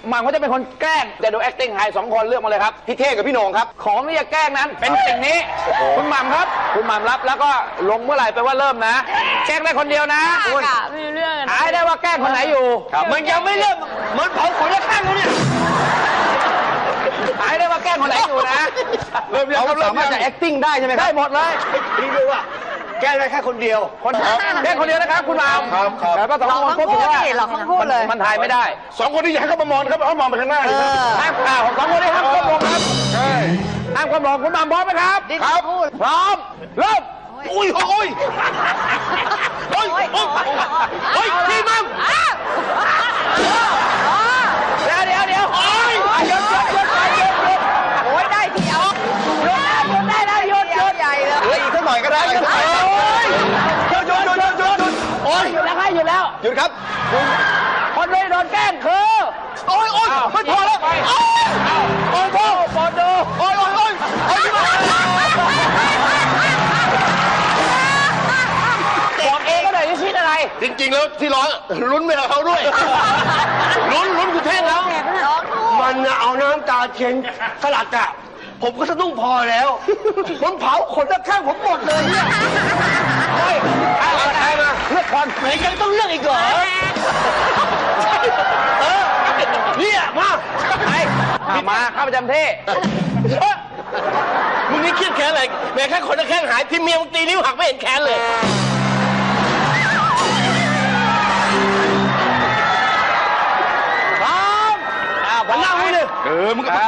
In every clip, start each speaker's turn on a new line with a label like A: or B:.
A: หม่ำเขาจะเป็นคนแกล้งจะดู acting ให้2 คนเลือกมาเลยครับพี่เท่กับพี่โหน่งครับของที่จะแกล้งนั้นเป็นสิ่งนี้คุณหม่ำครับคุณหม่ำรับแล้วก็ลงเมื่อไหร่แปลว่าเริ่มนะแกล้งได้คนเดียวนะ
B: ไม่รู้เรื่อง
A: หายได้ว่าแกล้งคนไหนอยู่มันยังไม่เริ่มเหมือนเผาขนและข้างเขาเนี่ยหายได้ว่าแกล้งคนไหนอยู่นะเราสามารถจะ acting ได้ใช่ไหมครับได้หมดเลยพี่ดูว่าแกล้งได้แค่คนเดียวแกล้งคนเดียวนะครับคุณหม่ำครับแต่ว่า2 คนพูดว่ามันถ่ายไม่ได้
C: 2 คนที่อยากให้เขามามองครับเอามองไปข้างหน้าเลยครับ
A: ห้ามของ2 คนนี้ห้ามก้มลงครับ
C: ใช่
A: ห้ามก้มลงคุณหม่ำพร้อมไหมครับ
C: ครับ
A: พร้อมเริ่ม
C: อุ้ยโอ้ยโอ้ยโอ้ยพี่มั่ม
A: เดี๋ยวโอ้ยหยุดโอ้ยได้ทีเอาหยุดได้แล้วหยุดใหญ่เลย
C: อีกสักหน่อยก็ได้หยุดโอ้ย
A: หยุดแล้วหยุดแล้ว
C: หยุดครับ
A: คนไม่โดนแกล้งคือ
C: โอ้ยไม่พอแล้ว
A: โอ้ยปอดดู
C: โอ้ย
A: บอกเองก็ได้ที่คิดอะไร
C: จริงๆแล้วที่ร้อนลุ้นไม่เอาเขาด้วยลุ้นคุณเท่งแล้วมันเอาน้ำตาเทียนสลัดอ่ะผมก็สะดุ้งพอแล้วมันเผาขนข้างผมหมดเลยเนี่ย
A: ใครมาเลือกคน
C: ไหนยังต้องเลือกอีกเหรอเนี่ยมา
A: เข้าประจำที่
C: มึงนี่เครียดแค้นอะไรแม้แค่ขนแข้งหายที่เมียมึงตีนิ้วหักไม่เห็นแค้นเลย
A: พร้อม
C: มานั่งมึงเลยมึงก็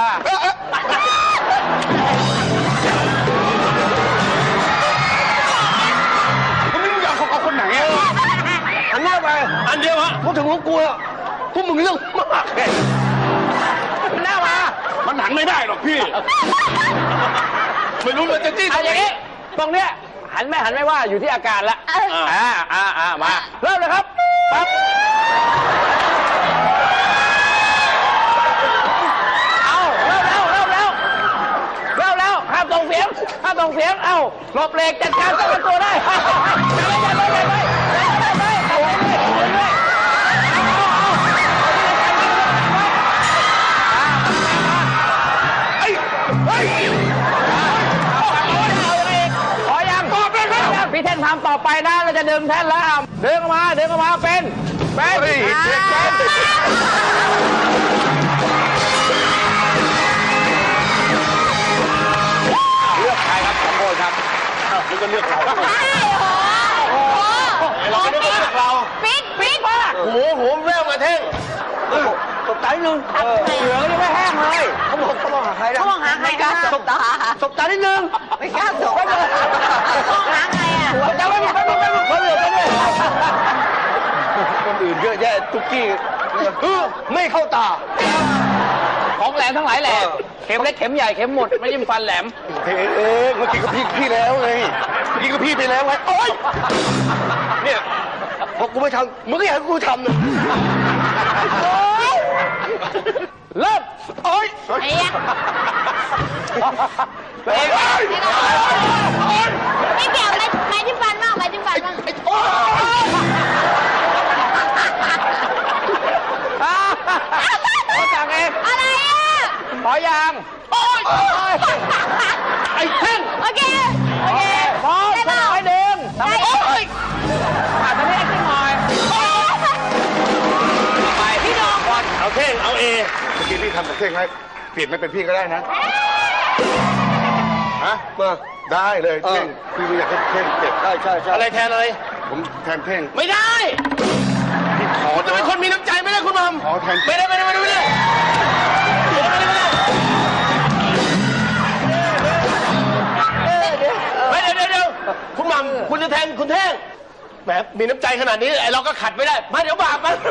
C: มึงอยากเอาคนไหนอ่ะหันหน้าไปอันเดียวฮะพูดถึงพวกกูแล้วพวกมึงเรื่องมาก
A: หน้ามา
C: มันหันไม่ได้หรอกพี่ไม่รู้เลยจะจี้
A: อย่างนี้ตรงเนี้ยหันไม่ว่าอยู่ที่อาการละมาเริ่มเลยครับปั๊บเริ่มแล้วห้ามส่งเสียงหลบเหล็กจัดการตั้งตัวได้พี่เท่นทำต่อไปนะเราจะดึงแท่นแล้วดึงออกมาเป็นเลือกใครครับ2 คนครับ
C: แล้วก็เลือกเรา
A: เราไม่ได้เลือกเรา
B: ปิ๊ก
C: โอ้โหแววมาเท่ง
A: ตบตานิดนึงเหลือยังไม่แห้งเลยเขามองหาใครนะ
B: เขามองหาใครกัน
A: ตบตานิดนึง
B: ไม่กล้าตบมองหาใครอ่ะ
A: จะไม่เขาเหลือกันเลย
C: คนอื่นเยอะแยะตุ๊กกี้ไม่เข้าตา
A: ของแหลมทั้งหลายแหลมเข็มเล็กเข็มใหญ่เข็มหมดไม่ยิ้มฟันแหลม
C: เมื่อกี้ก็พี่แล้วไงเมื่อกี้ก็พี่ไปแล้วไงโอ๊ยเนี่ยพอกูไม่ทำมึงก็อยากให้กูทำนะ
A: เริ่ม
C: โอ๊ย
B: ไอ้ยักษ์ไม่เกี่ยวไม้จิ้มฟันบ้าง
A: ขอสั่งเอง
B: อะไรอ่ะ
A: ขอยางไอ้เท่ง
B: โอเค
A: พร้อมไปดึงทำให้ให้ขึ้นหน่อยไปพี่น้องก่อน
C: เอาเท่งเอาเอเมื่อกี้พี่ทำกับเท่งให้เปลี่ยนไม่เป็นพี่ก็ได้นะฮะมาได้เลยเท่งพี่อยากให้เท่งเจ็บใช่
A: อะไรแทนอะไร
C: ผมแทนเท่ง
A: ไม่ได้
C: พี่ขอ
A: จะเป็นคนมีน้ำใจไม่ได้คุณมัม
C: ขอแทน
A: ไม่ได้เดี๋ยวคุณมัมคุณจะแทนคุณเท่งแหมมีน้ำใจขนาดนี้ไอเราก็ขัดไม่ได้มาเดี๋ยวบาปมัน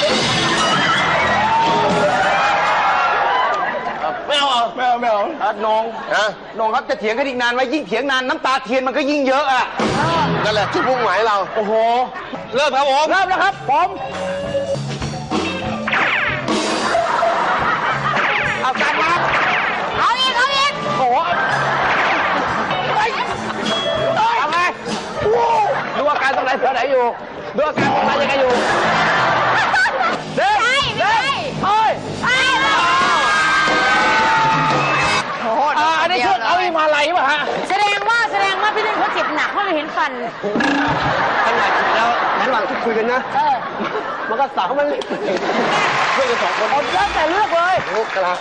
A: ไม่เอาน้องครับจะเถียงกันอีกนานไหมยิ่งเถียงนานน้ำตาเทียนมันก็ยิ่งเยอะอ่ะนั่นแหละจุดมุ่งหมายเราโอ้โหเริ่มครับผมเริ่มแล้วครับผมเอาการมา
B: เอาอีก
A: โอ้โหทำไงดูอาการตรงไหนเสือไหนอยู่ดูอาการตรงไหนยังไงอยู่เฮ้ย
B: เห็นฟัน
C: ขนาดถึงแล้วระหว่างที่คุยกันนะ มันก็สาวมันเล่นเพื่อนกัน2 คน
A: เอาแล้วแต่เลือกเลย
C: โอ้กลา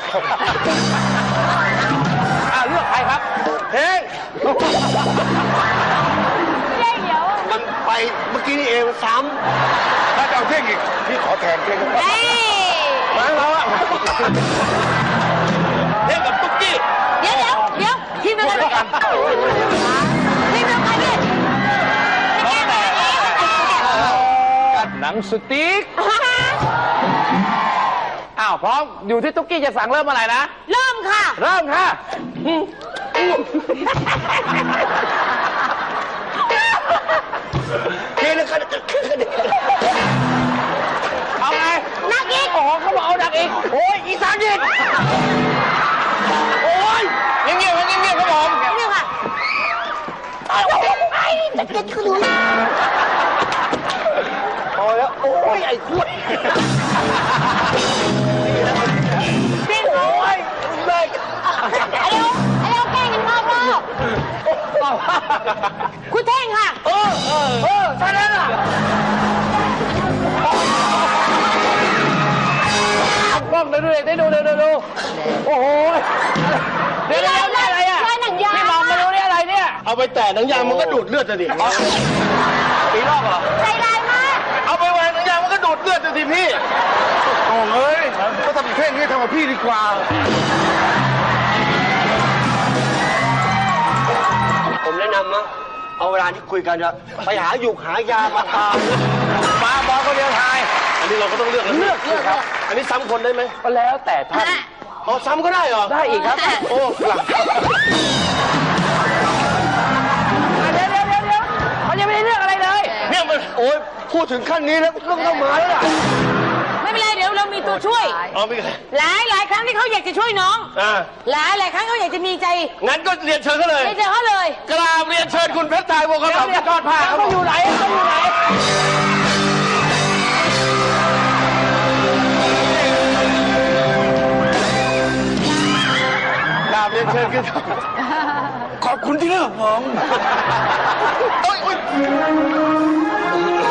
A: เลือกใครครับเพลง
B: เล่เดี๋ยว
C: มันไปเมื่อกี้นี่เองซ้ำถ้าจะเอาเท่งอีกพี่ขอแทนเท่ง
B: เฮ้ย
A: มาเราอะเล่นกับตุ๊กกี้
B: เดี๋ยวทีมเดียวกันทีมเดียวกันดิไม่แก้แบบนี้
A: หนังสติ๊กพร้อมอยู่ที่ตุ๊กกี้จะสั่งเริ่มเมื่อไหร่นะ
B: เริ่มค่ะ
A: เริ่มค่ะ
C: เท่งแล้วกัน
A: เอาไง
B: นักอีก
A: โอ้โหเขาบอกเอาดักอีกโอ้ยอีสานอีกโอ้ยเงียบๆเงียบๆครับผม
B: เรื่องค่ะจะเก็ตคือรู้
C: พอแล้วโอ้ยไอ้ขวด
B: จริงเหรอ
C: โอ้ยเลย
B: ไอ้เดี๋ยวแกล้งกันนอกรอบคุณเท่งค่ะ
A: ใช่แล้วล่ะกล้องดูได้ดูโอ้โหเดี๋ยวอะไรอ่ะ
B: ลายหนังยาง
A: พี่มองมาดูนี่อะไรเนี่ย
C: เอาไปแตะหนังยางมันก็ดูดเลือดจะดิ
A: ปีรอบเหรอ
B: ใจร้ายมาก
C: เอาไปแหวนหนังยางมันก็ดูดเลือดจะดิพี่โอ้เอ้ยก็ทำเท่งนี่ทำกับพี่ดีกว่าผมแนะนำนะเอาเวลาที่คุยกันจะไปหาหยุกหายามาทาน
A: มาบอลคนเดียวทาย
C: อันนี้เราก็ต้องเลือกนะ
A: เลือกครับ
C: อันนี้ซ้ำคนได้ไหม
A: ก็แล้วแต่ท่าน
C: อ๋อซ้ำก็ได้เหรอ
A: ได้อีกครับ
C: โอ้หลัง
A: เดี๋ยวเขายังไม่ได้เลือกอะไรเลย
C: เนี่ยมันโอ้ยพูดถึงขั้นนี้แล้วต้องมาแล้วล่ะ
B: ไม่เป็นไรเดี๋ยวเรามีตัวช่วย
C: เอาไม่ไง
B: หลายครั้งที่เขาอยากจะช่วยน้อง หลายครั้งเขาอยากจะมีใจ
C: งั้นก็เรียนเชิญเขาเลย
B: ไม่เจอเขาเลย
C: กราบเรียนเชิญคุณเพชรไทยวงศ์กระบอก
A: เดี๋ยวจอดผ่าเขาอยู่ไหนเขาอยู่ไหน
C: กราบเรียนเชิญกันขอบคุณที่เลือกผมโอ้ย